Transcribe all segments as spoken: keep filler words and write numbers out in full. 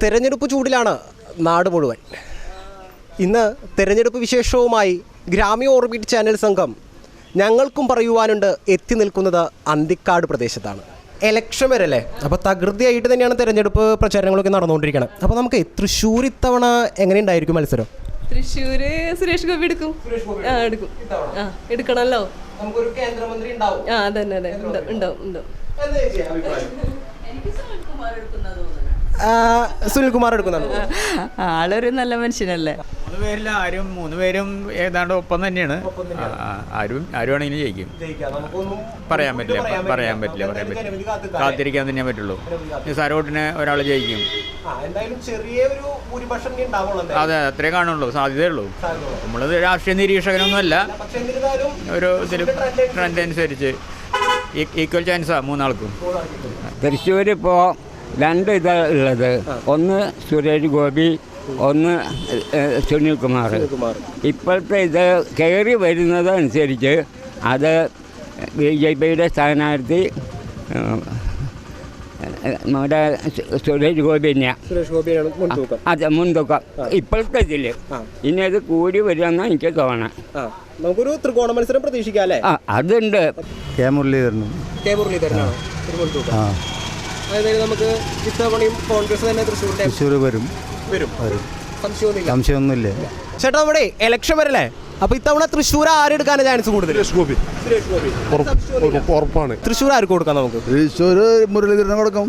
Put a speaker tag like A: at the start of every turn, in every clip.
A: തെരഞ്ഞെടുപ്പ് ചൂടിലാണ് നാട് മുഴുവൻ. ഇന്ന് തെരഞ്ഞെടുപ്പ് വിശേഷവുമായി ഗ്രാമീയ ഓർബിറ്റ് ചാനൽ സംഘം ഞങ്ങൾക്കും പറയുവാനുണ്ട് എത്തി നിൽക്കുന്നത് അന്തിക്കാട് പ്രദേശത്താണ്. എലക്ഷൻ വരല്ലേ, അപ്പോൾ തകൃതിയായിട്ട് തന്നെയാണ് തെരഞ്ഞെടുപ്പ് പ്രചാരണങ്ങളൊക്കെ നടന്നുകൊണ്ടിരിക്കുന്നത്. അപ്പോൾ നമുക്ക് തൃശ്ശൂർ ഇത്തവണ എങ്ങനെയുണ്ടായിരിക്കും മത്സരം?
B: തൃശ്ശൂര് സുരേഷ് ഗോപി എടുക്കും. ആ എടുക്കും ആ എടുക്കണമല്ലോ.
A: നമുക്കൊരു കേന്ദ്രമന്ത്രി ഉണ്ടാവും.
B: ആ അതന്നെ അതെ ഉണ്ടാവും ഉണ്ടാവും.
A: സുനിൽകുമാർ എടുക്കുന്നുണ്ട്.
C: ആളൊരു നല്ല മനുഷ്യനല്ലേ.
D: മൂന്ന് പേരിൽ ആരും മൂന്ന് പേരും ഏതാണ്ട് ഒപ്പം തന്നെയാണ്. ആരും ആരും ആണെങ്കിലും ജയിക്കും. പറയാൻ പറ്റില്ല പറയാൻ പറ്റില്ല പറയാൻ പറ്റില്ല കാത്തിരിക്കാൻ തന്നെ പറ്റുള്ളൂ. നിസാരോട്ടിന് ഒരാൾ ജയിക്കും. അതെ, അത്രേ കാണുള്ളൂ, സാധ്യതയുള്ളൂ. നമ്മളത് രാഷ്ട്രീയ നിരീക്ഷകനൊന്നുമല്ല. ഒരു ഇതിൽ ട്രെൻഡ് അനുസരിച്ച് ഈക്വൽ ചാൻസാണ് മൂന്നാൾക്കും.
E: തൃശ്ശൂർ ഇപ്പോൾ രണ്ട് ഇതാ ഉള്ളത്. ഒന്ന് സുരേഷ് ഗോപി, ഒന്ന് സുനിൽകുമാർ. ഇപ്പോഴത്തെ ഇത് കയറി വരുന്നത് അനുസരിച്ച് അത് ബി ജെ പിയുടെ സ്ഥാനാർത്ഥി നമ്മുടെ സുരേഷ് ഗോപി തന്നെയാണ്. അതെ, മുൻതൂക്കം ഇപ്പോഴത്തെ ഇതിൽ. ഇനി അത് കൂടി വരുമെന്നാണ് എനിക്ക് തോന്നണം.
A: നമുക്കൊരു ത്രികോണ മത്സരം പ്രതീക്ഷിക്കാം അല്ലേ?
E: ആ അതുണ്ട്.
F: കെ മുരളീധരൻ
A: കെ മുരളീധരനാണ്. അതായത് നമുക്ക് ഇത്തവണയും കോൺഗ്രസ് തന്നെ തൃശ്ശൂരിന്റെ
F: തൃശ്ശൂർ വരും
A: വരും
F: സംശയമൊന്നുമില്ല.
A: ചേട്ടാ, നമ്മുടെ ഇലക്ഷൻ വരല്ലേ, അപ്പൊ ഇത്തവണ തൃശ്ശൂർ ആരെടുക്കാനാണ് ചാൻസ് കൂടുതൽ?
F: സുരേഷ് ഗോപി ഉറപ്പാണ്.
A: തൃശ്ശൂർ ആർക്ക് കൊടുക്കാം? നമുക്ക്
F: തൃശ്ശൂർ മുരളീധരനെ കൊടുക്കാം.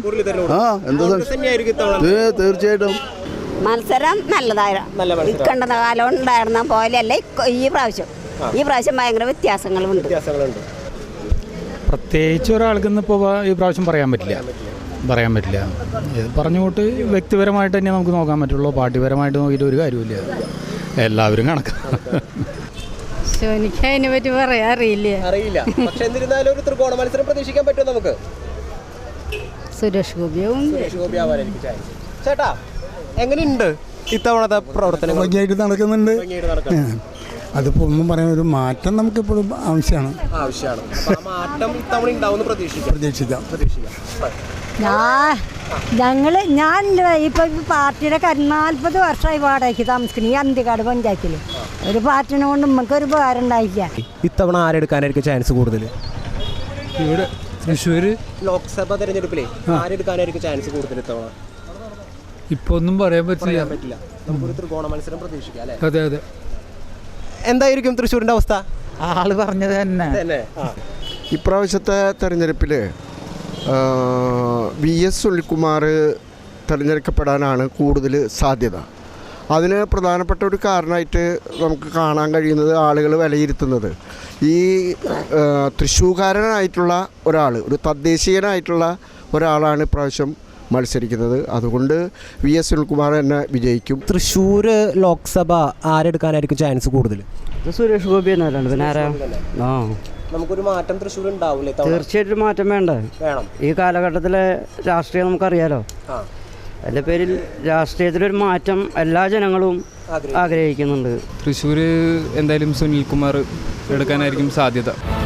F: തീർച്ചയായിട്ടും
G: മത്സരം നല്ലതായിരുന്നു. ഇക്കണ്ട കാലം ഉണ്ടായിരുന്ന പോലെയല്ല ഈ പ്രാവശ്യം. ഈ പ്രാവശ്യം ഭയങ്കര വ്യത്യാസങ്ങളുണ്ട്.
H: പ്രത്യേകിച്ച് ഒരാൾക്കൊന്നും ഇപ്പോൾ ഈ പ്രാവശ്യം പറയാൻ പറ്റില്ല പറയാൻ പറ്റില്ല ഇത് പറഞ്ഞുകൊണ്ട് വ്യക്തിപരമായിട്ട് തന്നെ നമുക്ക് നോക്കാൻ പറ്റുള്ളൂ. പാർട്ടിപരമായിട്ട് നോക്കിയിട്ട് ഒരു കാര്യമില്ല. എല്ലാവരും കണക്കാണ്.
G: എനിക്ക് അതിനെ പറ്റി പറയാൻ അറിയില്ല
A: അറിയില്ല പക്ഷെ എന്നിരുന്നാലും ഒരു ത്രികോണ മത്സരം പ്രതീക്ഷിക്കാൻ പറ്റുമോ നമുക്ക്?
G: സുരേഷ് ഗോപിയും
A: സുരേഷ് ഗോപി ആവാനായിരിക്കും ചാൻസ്. ചേട്ടാ, എങ്ങനെയുണ്ട് ഇത്തവണത്തെ പ്രവർത്തനം?
I: ഭംഗിയായിട്ട് നടക്കുന്നുണ്ട്. അതിപ്പോൾ ഒന്നും പറയാൻ, ഒരു മാറ്റം നമുക്കിപ്പോഴും ആവശ്യമാണ്
A: ആവശ്യമാണ് മാറ്റം ഇത്തവണ ഉണ്ടാവുമെന്ന് പ്രതീക്ഷിക്കാം
I: പ്രതീക്ഷിക്കാം
A: പ്രതീക്ഷിക്കാം
J: ഞാൻ ഞങ്ങൾ ഞാൻ ഇപ്പോൾ പാർട്ടിയുടെ നാൽപ്പത് വർഷമായി വാടകയ്ക്ക് താമസിക്കുന്നു ഈ അന്തിക്കാട് പഞ്ചായത്തിൽ. ഒരു പാർട്ടിനെ കൊണ്ട് നമുക്കൊരു ഉപകാരം ഉണ്ടായില്ല.
A: ഇത്തവണ ആരെടുക്കാനായിരിക്കും ചാൻസ് കൂടുതൽ?
H: ഇവിടെ തൃശ്ശൂർ
A: ലോക്സഭ തെരഞ്ഞെടുപ്പിലെ ആരെടുക്കാനായിരിക്കും ചാൻസ് കൂടുതൽ ഇത്തവണ?
H: ഇപ്പോൾ ഒന്നും പറയാൻ പറ്റില്ല
A: പറ്റില്ല നമുക്കൊരു ത്രികോണ മത്സരം പ്രതീക്ഷിക്കാം അല്ലേ?
H: അതെ അതെ.
A: എന്തായിരിക്കും തൃശ്ശൂരിൻ്റെ അവസ്ഥ?
C: ആള് പറഞ്ഞത് തന്നെ.
K: ഇപ്രാവശ്യത്തെ തെരഞ്ഞെടുപ്പിൽ വി എസ് സുനിൽകുമാർ തിരഞ്ഞെടുക്കപ്പെടാനാണ് കൂടുതൽ സാധ്യത. അതിന് പ്രധാനപ്പെട്ട ഒരു കാരണമായിട്ട് നമുക്ക് കാണാൻ കഴിയുന്നത്, ആളുകൾ വിലയിരുത്തുന്നത്, ഈ തൃശ്ശൂർക്കാരനായിട്ടുള്ള ഒരാൾ, ഒരു തദ്ദേശീയനായിട്ടുള്ള ഒരാളാണ് ഇപ്രാവശ്യം മത്സരിക്കുന്നത്. അതുകൊണ്ട് വി എസ് സുനിൽകുമാർ തന്നെ വിജയിക്കും.
A: തൃശ്ശൂർ ലോക്സഭ ആരെടുക്കാനായിരിക്കും ചാൻസ് കൂടുതൽ?
C: സുരേഷ് ഗോപി തന്നെ. പിന്നെ ആരാ? ആ
A: നമുക്കൊരു മാറ്റം തൃശ്ശൂർ ഉണ്ടാവില്ലേ?
C: തീർച്ചയായിട്ടും മാറ്റം വേണ്ടേ? വേണം. ഈ കാലഘട്ടത്തിലെ രാഷ്ട്രീയം നമുക്കറിയാലോ. അതിൻ്റെ പേരിൽ രാഷ്ട്രീയത്തിലൊരു മാറ്റം എല്ലാ ജനങ്ങളും ആഗ്രഹിക്കുന്നുണ്ട്.
H: തൃശ്ശൂർ എന്തായാലും സുനിൽകുമാർ എടുക്കാനായിരിക്കും സാധ്യത.